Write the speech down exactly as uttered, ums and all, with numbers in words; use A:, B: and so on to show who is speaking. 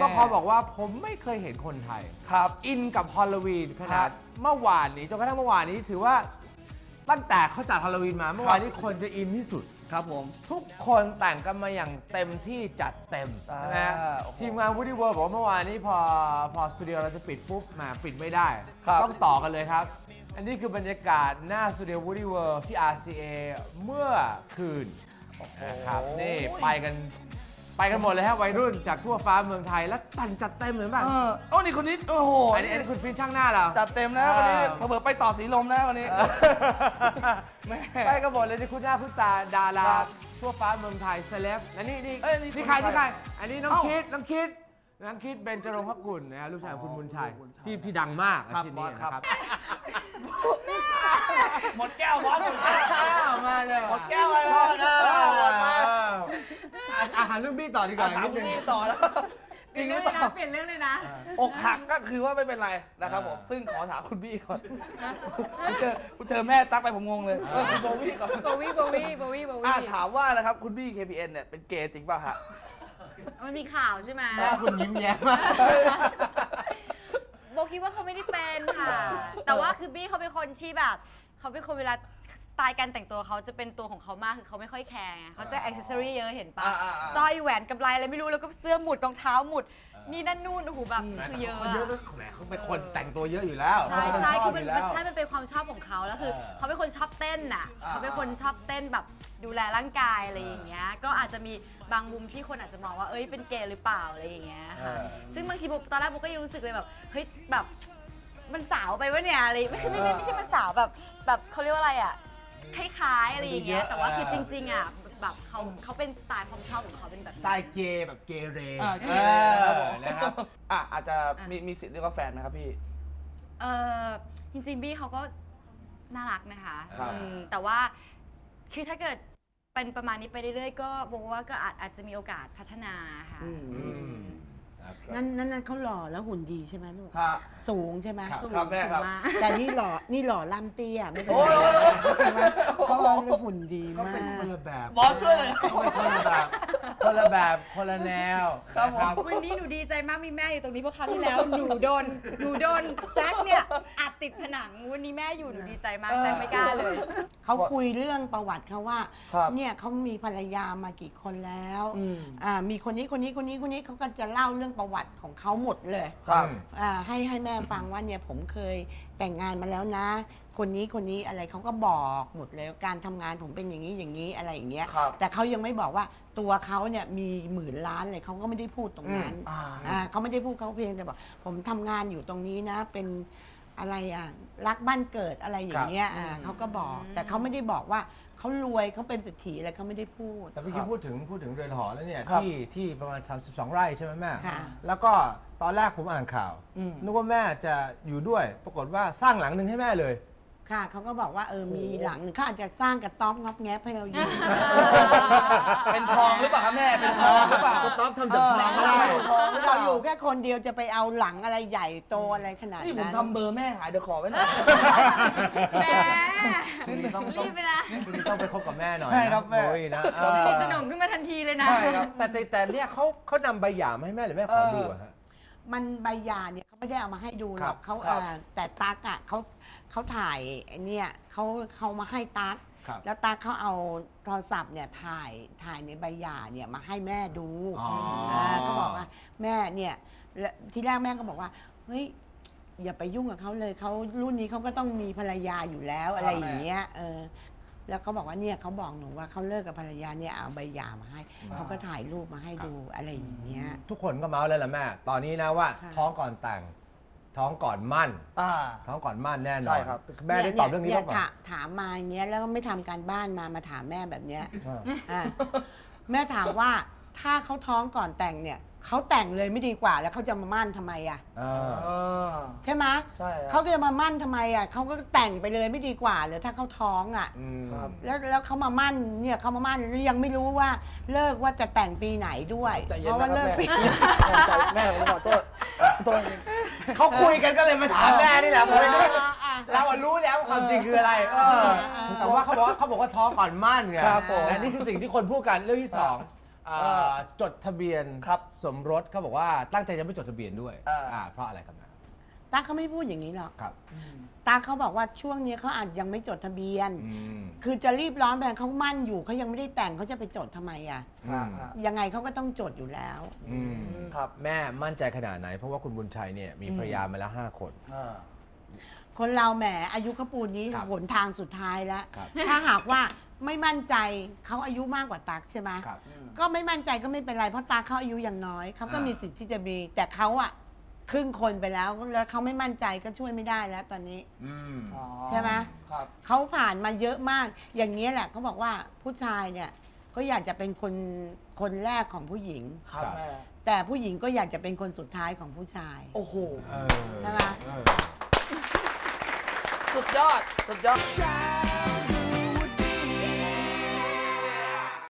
A: ต้องขอบอกว่าผมไม่เคยเห็นคนไทยครับอินกับฮอลโลวีนขนาดเมื่อวานนี้จนกระทั่งเมื่อวานนี้ถือว่าตั้งแต่เขาจัดฮอลโลวีนมาเมื่อวานนี้คนจะอินที่สุดครับผมทุกคนแต่งกันมาอย่างเต็มที่จัดเต็มนะทีมงาน Woody World บอกว่าเมื่อวานนี้พอพอสตูดิโอเราจะปิดปุ๊บมาปิดไม่ได้ต้องต่อกันเลยครับอันนี้คือบรรยากาศหน้าสตูดิโอ Woody World ที่ อาร์ ซี เอ เมื่อคืนนะครับนี่ไปกันไปกันหมดเลยฮะวัยรุ่นจากทั่วฟ้าเมืองไทยแล้วแต่งจัดเต็มเลยมั้ง
B: โอ้นี่คนนี้โอ้โห
A: อันนี้อันนี้คุณฟินช่างหน้าเรา
B: จัดเต็มนะวันนี้เผื่อไปต่อสีลมนะวันนี้
A: ไปกันหมดเลยนี่คุณหน้าคุณตาดาราทั่วฟ้าเมืองไทยเซเลบและนี่นี่นี่ใครนี่ใครอันนี้น้องคิดน้องคิดน้องคิดเบญจรงค์พกุลนะลูกชายของคุณบุญชัยที่ที่ดังมากที่นี่นะครับ
B: หมดแก้วบอสหมดแก้ว
A: มาเลย
B: หมดแก้วไป
A: แล้วอาหารเรื่องบี้ต่อดีกว่า
B: นิดนึงต่อแล้ว
C: จริงหรือเปล่าเปลี่ยนเรื่องเลยนะ
B: อกหักก็คือว่าไม่เป็นไรนะครับผมซึ่งขอถามคุณบี้ก่อนคุณเจอคุณเจอแม่ตั๊กไปผมงงเลยคุณโบวี่ก่อน
C: โบวี่โบวี่โบวี่โบวี่
B: ถามว่านะครับคุณบี้ เค พี เอ็น เนี่ยเป็นเกย์จริงป่ะฮะ
C: มันมีข่าวใช่ไหม
A: แม่คุณยิ้มแย้มมาก
C: โบคิดว่าเขาไม่ได้เป็นค่ะแต่ว่าคือบี้เขาเป็นคนที่แบบเขาเป็นคนเวลาสไตล์การแต่งตัวเขาจะเป็นตัวของเขามากคือเขาไม่ค่อยแคร์เขาจะอ็อกเซสซอรี่เยอะเห็นปะสร้อยแหวนกำไลอะไรไม่รู้แล้วก็เสื้อหมุดรองเท้าหมุดนี่นั่นนู่นโอ้โหแบบคือเยอะ
A: เยอะแหมเขาเป็นคนแต่งตัวเยอะอยู่แล้ว
C: ใช่ใช่คือมันใช่มันเป็นความชอบของเขาแล้วคือเขาเป็นคนชอบเต้นน่ะเขาเป็นคนชอบเต้นแบบดูแลร่างกายอะไรอย่างเงี้ยก็อาจจะมีบางมุมที่คนอาจจะมองว่าเอ้ยเป็นเกย์หรือเปล่าอะไรอย่างเงี้ยค่ะซึ่งบางทีตอนแรกโบก็ยังรู้สึกเลยแบบเฮ้ยแบบมันสาวไปวะเนี่ยอะไรไม่ไม่ไม่ใช่มันสาวแบบแบบเขาเรียกว่าอะไรอ่ะคล้ายๆอะไรอย่างเงี้ยแต่ว่าคือจริงๆอ่ะแบบเขาเขาเป็นสไตล์ความชอบของเขาเป็นแบบ
A: สไตล์เกย์แบบเกเร
B: นะครับอ่ะอาจจะมีมีสิทธิ์เรียกว่าแฟนไหมครับพี่
C: เออจริงๆบี้เขาก็น่ารักนะคะแต่ว่าคือถ้าเกิดเป็นประมาณนี้ไปเรื่อยๆก็บอกว่าก็อาจอาจจะมีโอกาสพัฒนาค่ะ
D: นั่นนั่นนั่นเขาหล่อแล้วหุ่นดีใช่ไหมลูกสูงใช่ไหม
B: สูงครับแม่ครับ
D: แต่นี่หล่อนี่หล่อล่ำเตี้ยไม่เป็นไรใช่ไหมเพราะว่าหุ่นดีมาก
A: คนละแบบ
B: บอสช่วยเลย
A: คนละแบบคนละแบบคนละแนว
C: ครับวันนี้หนูดีใจมากมีแม่อยู่ตรงนี้เพราะคราวที่แล้วหนูโดนหนูโดนแจ็คเนี่ยอัดติดผนังวันนี้แม่อยู่หนูดีใจมากแต่ไม่กล้าเลย
D: เขาคุยเรื่องประวัติเขาว่าเนี่ยเขามีภรรยามากี่คนแล้วมีคนนี้คนนี้คนนี้คนนี้เขาก็จะเล่าเรื่องประวัติของเขาหมดเลยให้ให้แม่ฟังว่าเนี่ยผมเคยแต่งงานมาแล้วนะคนนี้คนนี้อะไรเขาก็บอกหมดเลยการทำงานผมเป็นอย่างนี้อย่างนี้อะไรอย่างเงี้ยแต่เขายังไม่บอกว่าตัวเขาเนี่ยมีหมื่นล้านเลยเขาก็ไม่ได้พูดตรงนั้นเขาไม่ได้พูดเขาเพียงแต่บอกผมทำงานอยู่ตรงนี้นะเป็นอะไรอ่ะรักบ้านเกิดอะไรอย่างเงี้ยเขาก็บอกแต่เขาไม่ได้บอกว่าเขารวยเขาเป็นเศรษฐีอะไรเขาไม่ได้พูด
A: แต่เมื่อกี้พูดถึงพูดถึงเรือนหอแล้วเนี่ยที่ที่ประมาณสามสิบสองไร่ใช่ไหมแม่แล้วก็ตอนแรกผมอ่านข่าวนึกว่าแม่จะอยู่ด้วยปรากฏว่าสร้างหลังหนึ่งให้แม่เลย
D: ค่ะเขาก็บอกว่าเออมีหลังเขาอาจจะสร้างกระต๊อบงอบแงบให้เราอยู่
B: เป็นทองหรือเปล่าคะแม่เป็นทองหรือเปล่าก
A: ระต๊อบทำจากทองได้
D: เราอยู่แค่คนเดียวจะไปเอาหลังอะไรใหญ่โตอะไรขนาดนั้น
B: นี่ผมทำเบอร์แม่หายเดี๋ยวขอไว้หน่อย
C: แม่รีบไปนะ
A: คุณต้องไปคบกับแม่หน่อย
B: ใช่ครับแม่
A: นะ
C: สนมขึ้นมาทันทีเลยนะ
A: ใช่ครับแต่แต่เนี่ยเขาเขานำใบหย่ามาให้แม่หรือแม่ขอดูอะฮะ
D: มันใบหย่าเนี่ยเขาไม่ได้เอามาให้ดูหรอกเขาแต่ตั๊กอ่ะเขาเขาถ่ายเนี่ยเขาเขามาให้ตั๊กแล้วตั๊กเขาเอาโทรศัพท์เนี่ยถ่ายถ่ายในใบหย่าเนี่ยมาให้แม่ดูเขาบอกว่าแม่เนี่ยทีแรกแม่ก็บอกว่าเฮ้ยอย่าไปยุ่งกับเขาเลยเขารุ่นนี้เขาก็ต้องมีภรรยาอยู่แล้วอะไรอย่างเงี้ยเออแล้วเขาบอกว่าเนี่ยเขาบอกหนูว่าเขาเลิกกับภรรยาเนี่ยเอาใบหย่ามาให้เขาก็ถ่ายรูปมาให้ดูอะไรอย่างเงี้ย
A: ทุกคนก็เมาส์เลยล่ะแม่ตอนนี้นะว่าท้องก่อนแต่งท้องก่อนมั่นท้องก่อนมั่นแน่นอนแม่ได้ตอบเรื่องนี้ป่ะ
D: ถามมาอย่างเงี้ยแล้วก็ไม่ทำการบ้านมามาถามแม่แบบเนี้ยแม่ถามว่าถ้าเขาท้องก่อนแต่งเนี่ยเขาแต่งเลยไม่ดีกว่าแล้วเขาจะมามั่นทำไมอ่ะใช่ไหมใช่เขาจะมามั่นทำไมอ่ะเขาก็แต่งไปเลยไม่ดีกว่าหรือถ้าเขาท้องอ่ะแล้วแล้วเขามามั่นเนี่ยเขามามั่นแล้วยังไม่รู้ว่าเลิกว่าจะแต่งปีไหนด้วยเพราะว่าเลิกปี
B: แม่ผมขอโทษ
A: เขาคุยกันก็เลยมาถามแม่นี่แหละผมเลยเรารู้แล้วความจริงคืออะไรแต่ว่าเขาบอกว่าเขาบอกว่าท้องก่อนมั่นไงและนี่คือสิ่งที่คนพูดกันเรื่องที่สองจดทะเบียนสมรสเขาบอกว่าตั้งใจจะไม่จดทะเบียนด้วยเพราะอะไรครับนะ
D: ตาเขาไม่พูดอย่างนี้หรอก
A: ครับ
D: ตาเขาบอกว่าช่วงนี้เขาอาจยังไม่จดทะเบียนคือจะรีบร้อนแบบเขามั่นอยู่เขายังไม่ได้แต่งเขาจะไปจดทำไมอ่ะยังไงเขาก็ต้องจดอยู่แล้ว
A: ครับแม่มั่นใจขนาดไหนเพราะว่าคุณบุญชัยเนี่ยมีภรรยามาแล้วห้าคน
D: คนเราแหมอายุกระปูนนี้หนทางสุดท้ายแล้วถ้าหากว่าไม่มั่นใจเขาอายุมากกว่าตักใช่ไหมก็ไม่มั่นใจก็ไม่เป็นไรเพราะตักเขาอายุอย่างน้อยเขาก็มีสิทธิ์ที่จะมีแต่เขาอะครึ่งคนไปแล้วแล้วเขาไม่มั่นใจก็ช่วยไม่ได้แล้วตอนนี้ใช่ไหมเขาผ่านมาเยอะมากอย่างนี้แหละเขาบอกว่าผู้ชายเนี่ยก็อยากจะเป็นคนคนแรกของผู้หญิงแต่ผู้หญิงก็อยากจะเป็นคนสุดท้ายของผู้ชาย
B: โอ้โห
D: ใช่ไหม
B: สุดยอดสุดยอด